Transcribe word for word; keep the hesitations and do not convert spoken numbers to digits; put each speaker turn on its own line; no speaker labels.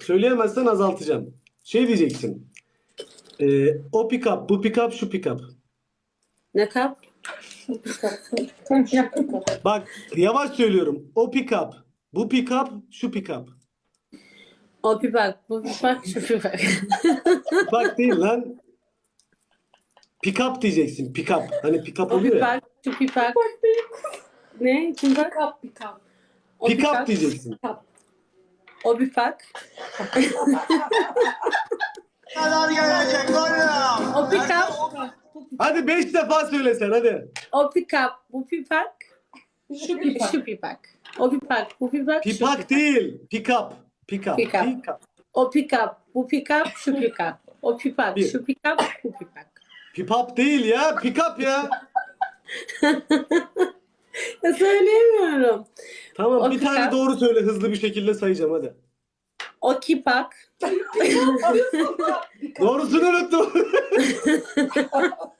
Söyleyemezsen azaltacağım. Şey diyeceksin. Ee, o pick up, bu pick up, şu pick up.
Ne kap?
Bak yavaş söylüyorum. O pick up, bu pick up, şu pick up.
O pipak, bu pipak, şu pipak.
Bak değil lan. Pick up diyeceksin. Pick up. Hani pick up
O
oluyor ya.
pipak, şu pipak. Ne? Pipak?
Kap bir kap.
O
Pick up
pipak,
diyeceksin.
o pipak.
Kadar gelecek oğlum.
O pick-up,
Hadi beş defa söylesen hadi.
o pick-up, bu pipak,
Şu pipak.
şu pipak. O pipak, bu pipak, şu
Pipak
pipak.
değil. Pick up. Pick up.
Pick up.
Pick up.
O pick-up, bu pick-up, şu pick-up. O pipak,
Bir.
şu pick-up, bu pipak.
Pick up değil ya. Pick up ya.
Ya söyleyemiyorum.
Tamam
O
bir
pick
tane
up.
doğru söyle. Hızlı bir şekilde sayacağım hadi.
O kipak,
Doğrusunu unuttum.